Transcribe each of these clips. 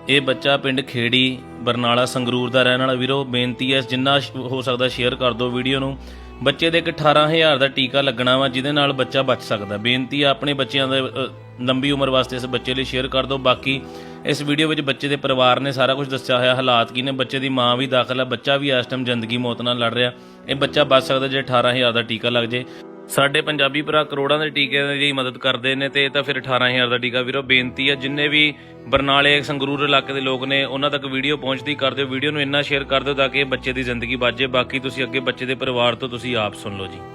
ਇਹ ਬੱਚਾ ਪਿੰਡ ਖੇੜੀ ਬਰਨਾਲਾ ਸੰਗਰੂਰ ਦਾ ਰਹਿਣ ਵਾਲਾ ਵੀਰੋ। ਬੇਨਤੀ ਹੈ ਜਿੰਨਾ ਹੋ ਸਕਦਾ ਸ਼ੇਅਰ ਕਰ ਦਿਓ ਵੀਡੀਓ ਨੂੰ। ਬੱਚੇ ਦੇ ਇੱਕ 18,000 ਦਾ ਟੀਕਾ ਲੱਗਣਾ ਵਾ ਜਿਹਦੇ ਨਾਲ ਬੱਚਾ ਬਚ ਸਕਦਾ। ਬੇਨਤੀ ਹੈ ਆਪਣੇ ਬੱਚਿਆਂ ਦੇ ਲੰਬੀ ਉਮਰ ਵਾਸਤੇ ਇਸ ਬੱਚੇ ਲਈ ਸ਼ੇਅਰ ਕਰ ਦਿਓ। ਬਾਕੀ ਇਸ ਵੀਡੀਓ ਵਿੱਚ ਬੱਚੇ ਦੇ ਪਰਿਵਾਰ ਨੇ ਸਾਰਾ ਕੁਝ ਦੱਸਿਆ ਹੋਇਆ, ਹਾਲਾਤ ਕੀ ਨੇ, ਬੱਚੇ ਦੀ ਮਾਂ ਵੀ ਦਾਖਲ ਹੈ, ਬੱਚਾ ਵੀ ਇਸ ਟਾਈਮ ਜ਼ਿੰਦਗੀ ਮੌਤ ਨਾਲ ਲੜ ਰਿਹਾ। ਇਹ ਬੱਚਾ ਬਚ ਸਕਦਾ ਜੇ 18,000 ਦਾ ਟੀਕਾ ਲੱਗ ਜੇ। ਸਾਡੇ ਪੰਜਾਬੀ ਭਰਾ ਕਰੋੜਾਂ ਦੇ ਟੀਕੇ ਦੀ ਮਦਦ ਕਰਦੇ ਨੇ ਤੇ ਇਹ ਤਾਂ ਫਿਰ 18,000 ਦਾ ਟੀਕਾ। ਵੀਰੋ ਬੇਨਤੀ ਹੈ ਜਿੰਨੇ ਵੀ ਬਰਨਾਲੇ ਸੰਗਰੂਰ ਇਲਾਕੇ ਦੇ ਲੋਕ ਨੇ ਉਹਨਾਂ ਤੱਕ ਵੀਡੀਓ ਪਹੁੰਚਦੀ ਕਰ ਦਿਓ, ਵੀਡੀਓ ਨੂੰ ਇੰਨਾ ਸ਼ੇਅਰ ਕਰ ਦਿਓ ਤਾਂ ਕਿ ਬੱਚੇ ਦੀ ਜ਼ਿੰਦਗੀ ਬਚ ਜਾਏ। ਬਾਕੀ ਤੁਸੀਂ ਅੱਗੇ ਬੱਚੇ ਦੇ ਪਰਿਵਾਰ ਤੋਂ ਤੁਸੀਂ ਆਪ ਸੁਣ ਲਓ ਜੀ।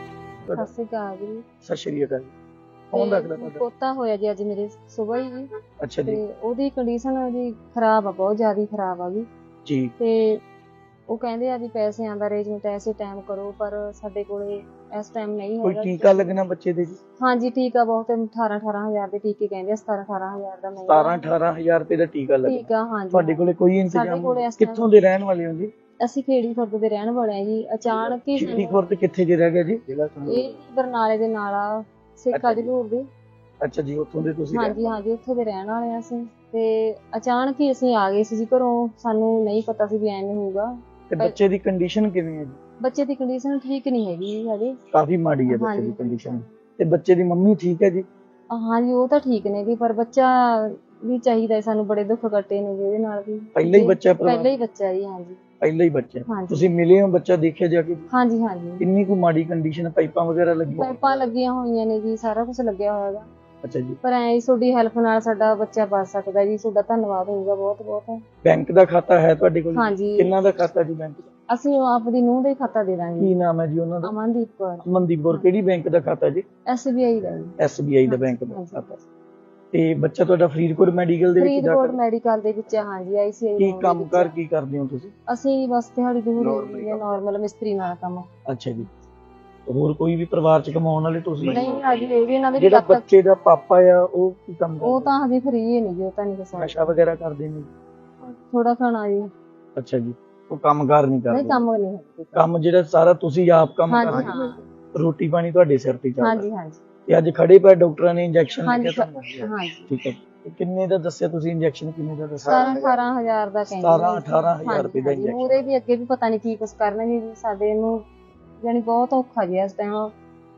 ਸਤਿ ਸ਼੍ਰੀ ਅਕਾਲ ਜੀ। ਸਤਿ ਸ਼੍ਰੀ ਅਕਾਲ। ਕੌਣ ਲੱਗਦਾ ਤੁਹਾਡਾ? ਪੋਤਾ ਹੋਇਆ ਜੀ ਅੱਜ ਮੇਰੇ ਸੁਬਾਹ ਹੀ ਜੀ। ਅੱਛਾ ਜੀ। ਤੇ ਉਹਦੀ ਕੰਡੀਸ਼ਨ ਜੀ ਖਰਾਬ ਆ, ਬਹੁਤ ਜ਼ਿਆਦਾ ਖਰਾਬ ਆ ਜੀ। ਤੇ ਉਹ ਕਹਿੰਦੇ ਆ ਵੀ ਪੈਸਿਆਂ ਦਾ ਅਰੇਂਜਮੈਂਟ ਐਸੇ ਟਾਈਮ ਕਰੋ, ਪਰ ਸਾਡੇ ਕੋਲੇ ਇਸ ਟਾਈਮ ਨਹੀਂ ਕੋਈ ਹੈਗਾ। ਟੀਕਾ ਲੱਗਣਾ ਬੱਚੇ ਦੇ ਜੀ? ਹਾਂਜੀ ਟੀਕਾ ਬਹੁਤ 18,000 ਦੇ ਟੀਕੇ ਕਹਿੰਦੇ ਆ, 17-18,000 ਦਾ 17-18,000 ਰੁਪਏ ਦਾ ਟੀਕਾ ਲੱਗਣਾ। ਟੀਕਾ ਹਾਂਜੀ। ਤੁਹਾਡੇ ਕੋਲੇ ਕੋਈ ਸਾਡੇ ਇੰਤਜ਼ਾਮ? ਕੋਲੇ ਇਸ time ਕਿੱਥੋਂ ਦੇ ਰਹਿਣ ਵਾਲੇ ਹੋ ਜੀ? ਅਸੀਂ ਖੇੜੀ ਖੁਰਦ ਦੇ ਰਹਿਣ ਵਾਲੇ ਆ ਜੀ। ਅਚਾਨਕ ਹੀ ਖੇੜੀ ਖੁਰਦ ਕਿੱਥੇ ਜੇ ਰਹਿ ਗਿਆ ਜੀ? ਇਹ ਬਰਨਾਲੇ ਦੇ ਨਾਲ ਆ, ਸੇਕਾ ਜਲੂਰ ਦੇ। ਅੱਛਾ ਜੀ, ਉੱਥੋਂ ਦੇ ਤੁਸੀਂ? ਹਾਂਜੀ ਉੱਥੇ ਦੇ ਰਹਿਣ ਵਾਲੇ ਆ ਅਸੀਂ। ਤੇ ਅਚਾਨਕ ਹੀ ਅਸੀਂ ਆ ਗਏ ਸੀ ਜੀ ਘਰੋਂ, ਸਾਨੂੰ ਨਹੀਂ ਪਤਾ ਸੀ ਵੀ ਐਵੇਂ ਹੋਊਗਾ। ਤੇ ਬੱਚੇ ਦੀ ਕੰਡੀਸ਼ਨ ਕਿਵੇਂ ਹੈ ਜੀ? ਬੱਚੇ ਦੀ ਕੰਡੀਸ਼ਨ ਠੀਕ ਨਹੀਂ ਹੈਗੀ ਜੀ ਹਜੇ, ਕਾਫੀ ਮਾੜੀ ਹੈ ਬੱਚੇ ਦੀ ਕੰਡੀਸ਼ਨ। ਤੇ ਬੱਚੇ ਦੀ ਮੰਮੀ ਠੀਕ ਹੈ ਜੀ? ਹਾਂਜੀ ਉਹ ਤਾਂ ਠੀਕ ਨੇ ਜੀ, ਪਰ ਬੱਚਾ ਵੀ ਚਾਹੀਦਾ, ਸਾਨੂੰ ਬੜੇ ਦੁੱਖ ਕੱਟੇ ਨੇ ਇਹਦੇ ਨਾਲ ਵੀ। ਪਹਿਲਾ ਹੀ ਬੱਚਾ? ਪਹਿਲਾ ਹੀ ਬੱਚਾ ਜੀ। ਹਾਂਜੀ ਪਹਿਲਾ ਹੀ ਬੱਚਾ। ਹਾਂਜੀ। ਤੁਸੀਂ ਮਿਲੇ ਹੋ ਬੱਚਾ ਦੇਖਿਆ ਜਾ ਕੇ? ਹਾਂਜੀ ਕਿੰਨੀ ਕੁ ਮਾੜੀ ਕੰਡੀਸ਼ਨ? ਪਾਈਪਾਂ ਵਗੈਰਾ ਲੱਗੀਆਂ? ਪਾਈਪਾਂ ਲੱਗੀਆਂ ਹੋਈਆਂ ਨੇ ਜੀ, ਸਾਰਾ ਕੁਝ ਲੱਗਿਆ ਹੋਇਆ ਹੈਗਾ। ਅੱਛਾ ਜੀ। ਪਰ ਐ ਤੁਹਾਡੀ ਹੈਲਪ ਨਾਲ ਸਾਡਾ ਬੱਚਾ ਬਚ ਸਕਦਾ ਜੀ, ਤੁਹਾਡਾ ਧੰਨਵਾਦ ਹੋਊਗਾ ਬਹੁਤ ਬਹੁਤ। ਬੈਂਕ ਦਾ ਖਾਤਾ ਹੈ ਤੁਹਾਡੇ ਕੋਲ? ਹਾਂਜੀ। ਕਿੰਨਾ ਦਾ ਖਾਤਾ ਜੀ ਬੈਂਕ ਦਾ? ਅਸੀਂ ਆਪਦੀ ਨੂੰਹ ਦਾ ਹੀ ਖਾਤਾ ਦੇ ਦਾਂਗੇ। ਕੀ ਨਾਮ ਹੈ ਜੀ ਉਹਨਾਂ ਦਾ? ਅਮਨਦੀਪ ਕੌਰ। ਅਮਨਦੀਪ ਕੌਰ। ਕਿਹੜੀ ਬੈਂਕ ਦਾ ਖਾਤਾ ਜੀ? SBI ਦਾ ਜੀ। SBI ਦਾ ਬੈਂਕ ਦਾ ਖਾਤਾ। ਤੇ ਬੱਚਾ ਤੁਹਾਡਾ ਫਰੀਦਕੋਟ ਮੈਡੀਕਲ ਦੇ ਵਿੱਚ ਫਰੀਦਕੋਟ ਮੈਡੀਕਲ ਦੇ ਵਿੱਚ? ਹਾਂਜੀ ICI। ਕੀ ਕੰਮ ਕਰ ਕੀ ਕਰਦੇ ਹੋ ਤੁਸੀਂ? ਅਸੀਂ ਬਸ ਦਿਹਾੜੀ ਦਿਹੂੜੀ ਨਾਰਮਲ ਮਿਸਤਰੀ ਨਾਲ ਕੰਮ। ਅੱਛਾ ਜੀ। ਹੋਰ ਕੋਈ ਵੀ ਪਰਿਵਾਰ ਚ ਕਮਾਉਣ ਵਾਲੇ ਤੁਸੀਂ? ਨਹੀਂ ਅਜੇ ਇਹ ਵੀ ਇਹਨਾਂ ਦੇ ਜਿਹੜਾ ਬੱਚੇ ਦਾ ਪਾਪਾ ਆ ਉਹ ਕੀ ਕੰਮ ਕਰਦਾ? ਉਹ ਤਾਂ ਹਜੇ ਫਰੀ ਹੀ ਨਹੀਂ ਜੀ, ਉਹ ਤਾਂ ਨਹੀਂ ਦੱਸਣਾ। ਨਸ਼ਾ ਵਗੈਰਾ ਕਰਦੇ ਨੇ? ਥੋੜਾ ਖਾਣਾ ਜੀ। ਅੱਛਾ ਜੀ। ਉਹ ਕੰਮਕਾਰ ਨਹੀਂ ਕਰਦੇ? ਨਹੀਂ ਕੰਮ ਨਹੀਂ ਹੈ। ਕੰਮ ਜਿਹੜਾ ਸਾਰਾ ਤੁਸੀਂ ਆਪ ਕੰਮ ਹਾਂਜੀ ਕਰਦੇ? ਹਾਂ। ਰੋਟੀ ਪਾਣੀ ਤੁਹਾਡੇ ਸਿਰ ਤੇ ਚੱਲਦਾ? ਹਾਂਜੀ ਤੇ ਅੱਜ ਖੜੇ ਪਏ ਡਾਕਟਰਾਂ ਨੇ ਇੰਜੈਕਸ਼ਨ ਹਾਂਜੀ ਲਿਖਿਆ ਤੁਹਾਨੂੰ? ਹਾਂਜੀ। ਠੀਕ ਹੈ। ਤੇ ਕਿੰਨੇ ਦਾ ਦੱਸਿਆ ਤੁਸੀਂ ਇੰਜੈਕਸ਼ਨ? ਕਿੰਨੇ ਦਾ ਦੱਸਿਆ? 17-18,000 ਦਾ ਕਹਿੰਦੇ। 17-18,000 ਰੁਪਏ ਦਾ ਇੰਜੈਕਸ਼ਨ। ਮੂਰੇ ਵੀ ਅੱਗੇ ਵੀ ਪਤਾ ਨਹੀਂ ਕੀ ਕੁਛ ਕਰਨਗੇ ਜੀ ਸਾਡੇ ਨੂੰ, ਜਾਨੀ ਬਹੁਤ ਔਖਾ ਜੀ ਇਸ ਟਾਈਮ।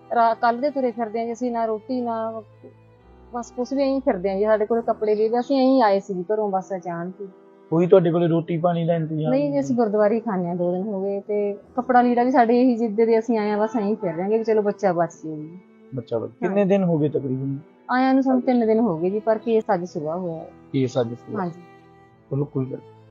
ਕੱਲ ਦੇ ਤੁਰੇ ਫਿਰਦੇ ਆ ਜੀ ਅਸੀਂ, ਨਾ ਰੋਟੀ ਨਾ ਬਸ ਕੁਛ ਵੀ ਐਂ ਫਿਰਦੇ ਆ ਜੀ। ਸਾਡੇ ਕੋਲ ਕੱਪੜੇ ਵੀ ਅਸੀਂ ਐਂ ਆਏ ਸੀ ਜੀ ਘਰੋਂ ਬਸ ਅਚਾਨਕ ਹੀ। ਕੋਈ ਤੁਹਾਡੇ ਕੋਲੇ ਰੋਟੀ ਪਾਣੀ ਦਾ ਇੰਤਜ਼ਾਮ? ਨਹੀਂ ਜੀ, ਅਸੀਂ ਗੁਰਦੁਆਰੇ ਹੀ ਖਾਂਦੇ ਆ, 2 ਦਿਨ ਹੋ ਗਏ। ਤੇ ਕੱਪੜਾ ਲੀੜਾ ਵੀ ਸਾਡੇ ਇਹੀ ਜਿੱਦੇ ਦੇ ਅਸੀਂ ਆਏ ਆ, ਬਸ ਐਂ ਫਿਰ ਰਹੇ ਵੀ ਚਲੋ ਬੱਚਾ ਬਚ ਜੇ ਜੀ। ਬੱਚਾ ਕਿੰਨੇ ਦਿਨ ਹੋ ਗਏ ਤਕਰੀਬਨ ਆਇਆਂ ਨੂੰ? ਸਾਨੂੰ 3 ਦਿਨ ਹੋ ਗਏ ਜੀ, ਪਰ ਕੇਸ ਅੱਜ ਸੁਬਾਹ ਹੋਇਆ। ਕੇਸ ਅੱਜ? ਹਾਂਜੀ। ਚਲੋ ਕੋਈ ਗੱਲ